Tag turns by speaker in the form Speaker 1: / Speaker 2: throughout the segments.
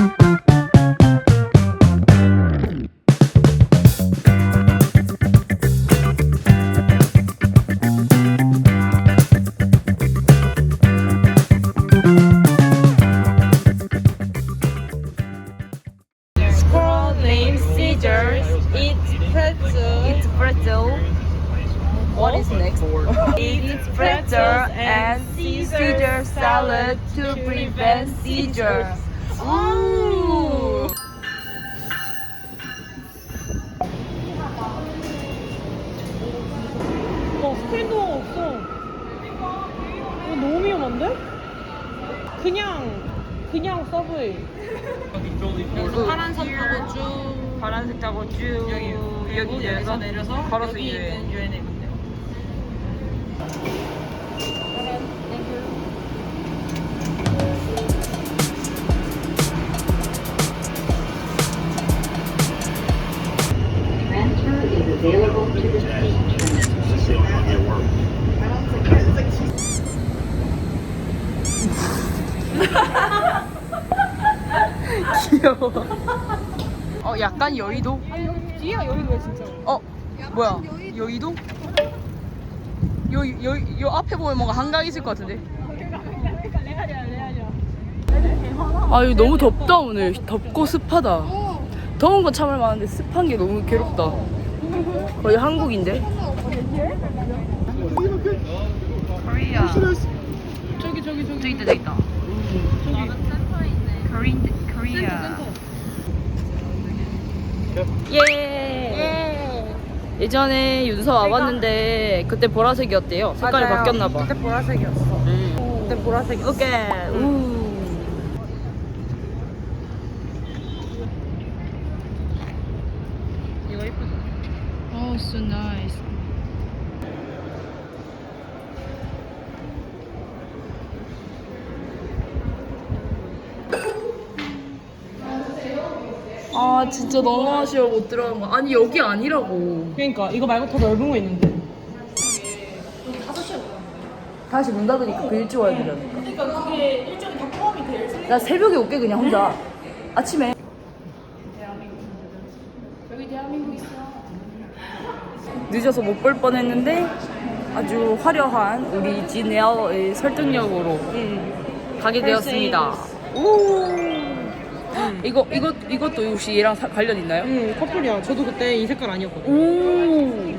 Speaker 1: Squirrel named Caesar eats pretzel.
Speaker 2: It's pretzel. What is next?
Speaker 1: Eats pretzels and Caesar salad to prevent seizures.
Speaker 2: Ooh.
Speaker 1: 스크린도어가 없어. 너무 위험한데? 그냥 서브웨이. 파란선 타고 쭉.
Speaker 2: 파란색 타고 쭉 여기 내려서 걸어서 이제
Speaker 1: 유엔에 있는데.
Speaker 3: Transfer is available to the seat.
Speaker 2: 귀여워. 약간 여의도?
Speaker 1: 뒤야 여기가 진짜.
Speaker 2: 뭐야? 여의도? 요 앞에 보면 뭔가 한강 있을 것 같은데. 아, 여기 너무 덥다 오늘. 덥고 습하다. 더운 건 참을 만한데 습한 게 너무 괴롭다. 거의 한국인데. 코리아. 저기 있다. 코리아. 예. 예전에 윤서 와봤는데 그때 보라색이었대요. 색깔이 바뀌었나봐.
Speaker 1: 그때 보라색이었어. 그때 보라색이었어.
Speaker 2: 오케이.
Speaker 1: 이거 예쁘다.
Speaker 2: Oh, so nice. 아, 진짜 너무 아쉬워 못 들어간 거. 아니, 여기 아니라고.
Speaker 1: 그러니까 이거 말고 더 넓은 거 있는데.
Speaker 2: 다시 문 닫으니까 그 일찍 와야 되라니까. 그러니까 그게 일정이 다 포함이 돼. 나 새벽에 올게 그냥 혼자. 아침에. 여기 대한민국 있어. 늦어서 못 볼 뻔했는데 아주 화려한 우리 지네어의 설득력으로 가게 되었습니다. 오. 이것도 혹시 얘랑 관련 있나요?
Speaker 1: 응, 커플이야. 저도 그때 이 색깔 아니었거든.
Speaker 2: 오.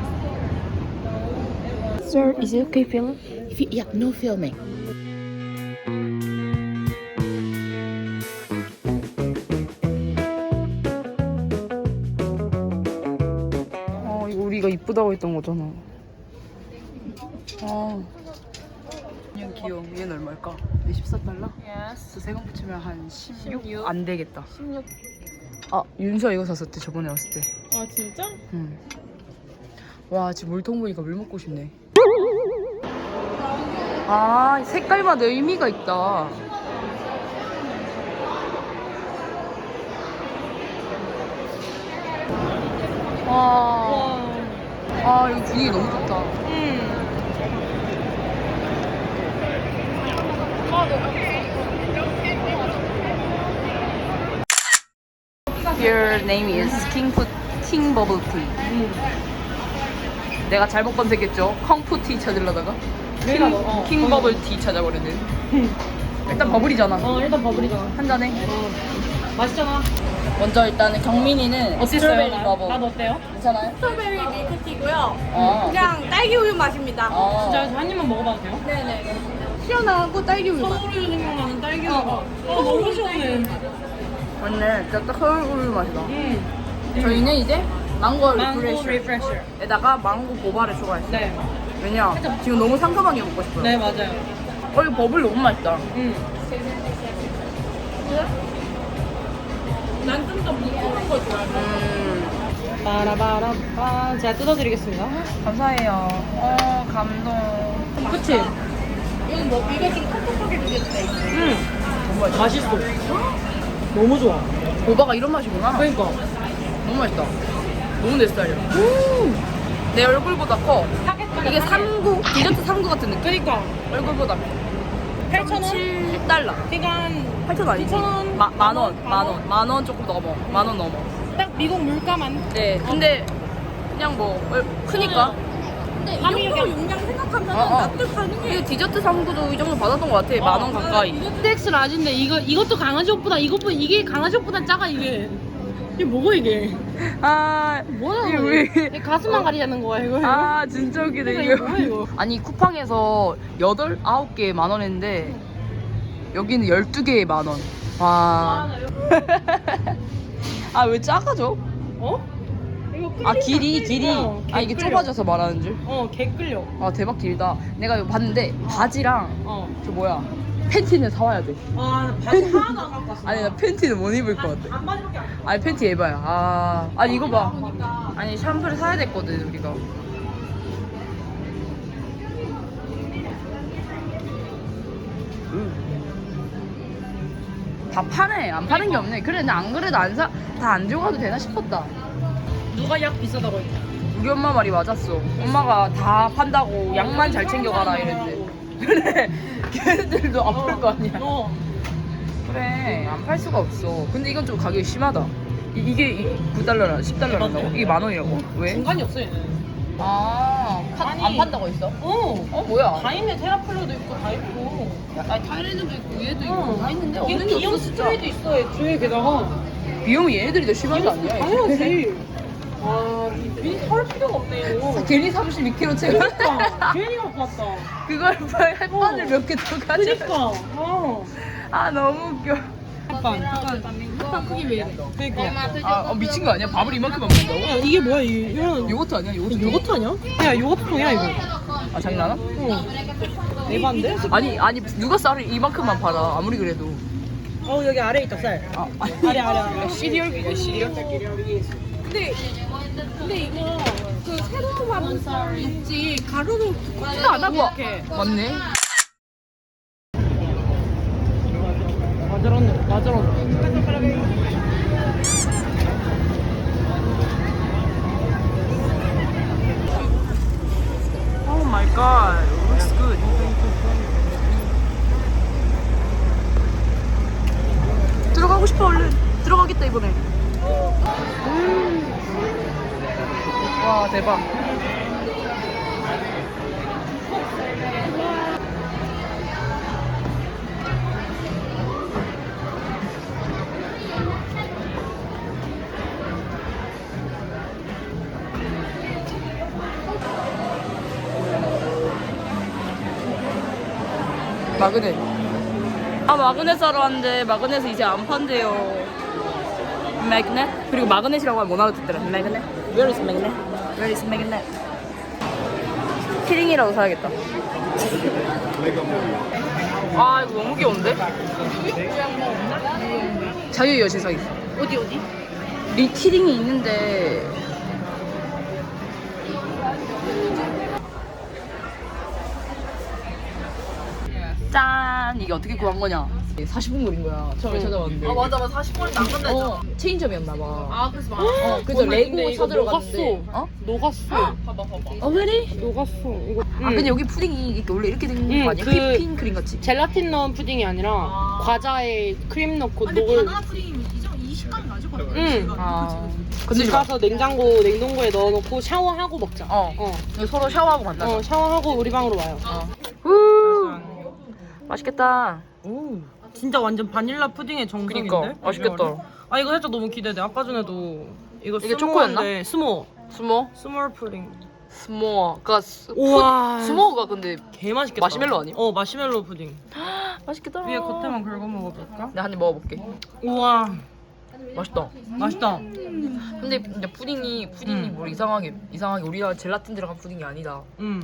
Speaker 4: Sir, is it okay film? Yeah, no filming.
Speaker 2: 이거 우리가 이쁘다고 했던 거잖아. 그냥 귀여워. 얘는 얼마일까? 14달러?
Speaker 1: Yes.
Speaker 2: 저 세금 붙이면 한 16? 안 되겠다.
Speaker 1: 16.
Speaker 2: 아, 윤서 이거 샀었대 저번에 왔을 때.
Speaker 1: 아 진짜?
Speaker 2: 응. 와, 지금 물통 보니까 물 먹고 싶네. 아, 색깔마다 의미가 있다. 와. 아, 이거 분위기 너무 좋다. Your name is King Bubble Tea. 내가 잘못 검색했죠. 컹푸티 찾으려다가 킹 버블 티 찾아버렸네. 일단 버블이잖아.
Speaker 1: 일단 버블이잖아.
Speaker 2: 한 잔에.
Speaker 1: 맛있잖아.
Speaker 2: 먼저 일단은 경민이는 스트로베리 버블.
Speaker 1: 맛 어때요?
Speaker 2: 괜찮아요?
Speaker 5: 스트로베리 밀크티고요.
Speaker 2: 어.
Speaker 5: 그냥 딸기 우유 맛입니다.
Speaker 1: 진짜 한 입만 먹어봐도 돼요?
Speaker 5: 네네. 시원하고 딸기 우유 맛.
Speaker 1: 서울우유 생각나는 딸기우유가. 너무 시원해.
Speaker 2: 맞네. 진짜 딱 서울 우유 맛이다. 저희는 이제 망고 리프레쉬
Speaker 1: 리프레셔.
Speaker 2: 에다가 망고 보바를 추가했어요.
Speaker 1: 네.
Speaker 2: 왜냐? 지금 너무 상큼한 게 먹고 싶어요.
Speaker 1: 네 맞아요.
Speaker 2: 이거 버블 너무 맛있다.
Speaker 5: 난 좀 더 뭉클한 거 좋아해.
Speaker 1: 빠라바라빠. 제가 뜯어드리겠습니다.
Speaker 2: 감사해요. 감동.
Speaker 1: 그치?
Speaker 5: 이거 좀 텁텁하게 느껴진다 이거.
Speaker 1: 맛있어. 너무 좋아.
Speaker 2: 보바가 이런 맛이구나.
Speaker 1: 그러니까.
Speaker 2: 너무 맛있다. 너무 내 스타일이야. 내 얼굴보다 커. 이게 삼구, 디저트 삼구 같은 느낌.
Speaker 1: 그러니까.
Speaker 2: 얼굴보다 커.
Speaker 1: 8,000원?
Speaker 2: 7달러.
Speaker 1: 그러니까
Speaker 2: 8,000원 아니지? 만 원 조금 넘어. 만 원 넘어.
Speaker 5: 딱 미국 물가만.
Speaker 2: 네, 근데 그냥 뭐 크니까.
Speaker 5: 근데 이 정도 용량 생각하면 납득 가능해.
Speaker 2: 이거 디저트 상구도 이 정도 받았던 것 같아. 만 원 가까이.
Speaker 5: 텍스 라지인데 이것도 강아지 옷보다 이게 강아지 옷보다 작아 이게. 이게 뭐고 이게?
Speaker 2: 아,
Speaker 5: 뭐야
Speaker 2: 이게
Speaker 5: 이게? 왜 가슴만 가리자는 거야 이거?
Speaker 2: 아, 진짜 웃기네
Speaker 5: 이거 뭐야 이거?
Speaker 2: 아니 쿠팡에서 9개에 만 원 했는데 여기는 12개에 만 원. 와. 아, 왜 작아져?
Speaker 5: 어? 이거
Speaker 2: 아, 길이. 아, 이게
Speaker 5: 끌려.
Speaker 2: 좁아져서 말하는 줄.
Speaker 5: 개 끌려.
Speaker 2: 아, 대박 길다. 내가 이거 봤는데 바지랑 저 뭐야 팬티는 사와야 돼.
Speaker 5: 아 바지 하나도 안 갖고 왔어.
Speaker 2: 아니, 나 팬티는 못 입을 것 같아.
Speaker 5: 반바지밖에 안.
Speaker 2: 아니, 팬티 에바야. 아니 이거 봐. 아니, 샴푸를 사야 됐거든 우리가. 다 파네. 안 파는 게 없네. 그래, 나 안 그래도 다 안 들고 가도 되나 싶었다.
Speaker 5: 누가 약 비싸다고 했냐?
Speaker 2: 우리 엄마 말이 맞았어. 엄마가 다 판다고 약만 잘 챙겨가라 이랬는데. 그래, 걔네들도 안 팔 거 아니야. 그래, 안 팔 수가 없어. 근데 이건 좀 가격이 심하다. 이게 9달러라, 10달러란다고? 이게 만 원이라고? 왜?
Speaker 5: 중간이 없어 얘는.
Speaker 2: 아,
Speaker 5: 아니.
Speaker 2: 안 판다고 했어? 뭐야?
Speaker 5: 다 있네. 테라플로도 있고 다 있고.
Speaker 2: 아니, 타이레드도 있고 얘도 있고 다 있는데 없는 게
Speaker 5: 비용
Speaker 2: 없어 진짜.
Speaker 5: 스프레이도 있어 애초에 게다가.
Speaker 2: 비용이 얘네들이 더 심한 거 아니야?
Speaker 5: 당연하지. 와 괜히 살 필요가 없네 이거.
Speaker 2: 괜히 32kg 채워.
Speaker 5: 그러니까 괜히 갖고 왔다.
Speaker 2: 그걸 햇반을 몇 개 더 가져.
Speaker 5: 그니까.
Speaker 2: 아, 너무 웃겨.
Speaker 5: 햇반 크기 왜 이래? 그니까.
Speaker 2: 아, 미친 거 아니야? 밥을 이만큼 먹는다고?
Speaker 5: 야 이게 뭐야 이거는
Speaker 2: 요거트 아니야?
Speaker 5: 요거트 아니야? 야 요거트 통이야 이거.
Speaker 2: 아, 장난아?
Speaker 5: 에반데?
Speaker 2: 아니 누가 쌀을 이만큼만 팔아? 아무리 그래도.
Speaker 5: 여기 아래 있다 쌀. 아래.
Speaker 2: 시리얼이야, 시리얼.
Speaker 5: 근데 이거 그 새로운 밥은 있지 가루로 꽂지도 않아 그렇게.
Speaker 2: 맞네.
Speaker 5: 맞아.
Speaker 2: Oh my god, looks good. 들어가고 싶어 얼른. 들어가겠다 이번에. 와, 대박. 마그넷. 아, 마그넷 사러 왔는데 마그넷을 이제 안 판대요. 마그넷? 그리고 마그넷이라고 하면 못 알아듣더라. 마그넷? Where is magnet? Where is magnet? 키링이라도 사야겠다. 아, 이거 너무 귀여운데? 자유의 여신상 있어.
Speaker 5: 어디?
Speaker 2: 리키링이 있는데 짠! 이게 어떻게 구한 거냐? 40분 걸린 거야. 처음에 찾아봤는데.
Speaker 5: 아 맞아 40분인데 안 간다.
Speaker 2: 체인점이었나봐.
Speaker 5: 아 그래서 많아.
Speaker 2: 그래서 레고 찾으러 갔는데.
Speaker 5: 녹았어. 봐봐.
Speaker 2: really?
Speaker 5: 녹았어. 이거.
Speaker 2: 아, 근데 여기 푸딩이 이렇게 원래 이렇게 된 거 아니야?
Speaker 5: 그-
Speaker 2: 휘핑 크림 같이.
Speaker 5: 젤라틴 넣은 푸딩이 아니라 과자에 크림 넣고 녹을. 응.
Speaker 2: 아, 근데
Speaker 5: 집 가서 냉동고에 넣어놓고 샤워하고 먹자.
Speaker 2: 서로 샤워하고 만나자.
Speaker 5: 샤워하고 우리 방으로 와요.
Speaker 2: 후, 맛있겠다.
Speaker 6: 오, 진짜 완전 바닐라 푸딩의 정석인데?
Speaker 2: 그니까 맛있겠다.
Speaker 6: 아 이거 살짝 너무 기대돼. 아까 전에도 이거
Speaker 2: 이게 초코였나?
Speaker 6: 스모
Speaker 2: 스몰
Speaker 6: 푸딩.
Speaker 2: 스모어가
Speaker 6: 우와.
Speaker 2: 스모어가 근데
Speaker 6: 개 맛있겠다.
Speaker 2: 마시멜로 아님?
Speaker 6: 마시멜로 푸딩.
Speaker 2: 맛있겠다.
Speaker 6: 위에 겉에만 긁어 먹어볼까?
Speaker 2: 내가 한 입 먹어볼게.
Speaker 6: 우와,
Speaker 2: 맛있다.
Speaker 6: 맛있다.
Speaker 2: 근데 푸딩이 뭐 이상하게 우리나라 젤라틴 들어간 푸딩이 아니다.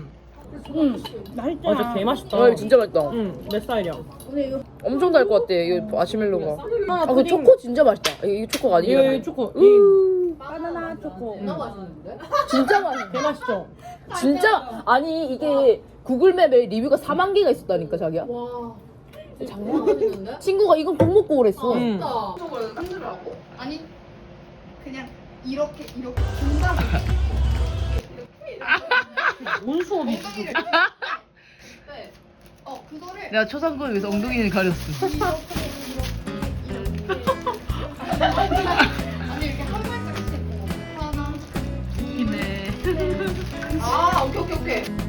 Speaker 6: 진짜 개 맛있다.
Speaker 2: 아, 진짜 맛있다.
Speaker 6: 내 스타일이야.
Speaker 2: 엄청 달 것 같아. 이거 마시멜로가. 아, 그 초코 진짜 맛있다. 이게 초코가 아니라.
Speaker 6: 이거 초코.
Speaker 5: 바나나 초코.
Speaker 2: 진짜 맛있어.
Speaker 6: 개 맛있죠?
Speaker 2: 진짜 아니 이게 구글맵에 리뷰가 4만 개가 있었다니까 자기야. 와. 장난 아니는데? 친구가 이건 꼭 먹고 그랬어.
Speaker 7: 아니 그냥 이렇게 중간
Speaker 6: 뭔 수업이 있어?
Speaker 7: 그거를
Speaker 2: 내가 초상권을 위해서 엉덩이를 가렸어.
Speaker 7: 아 오케이 오케이 오케이.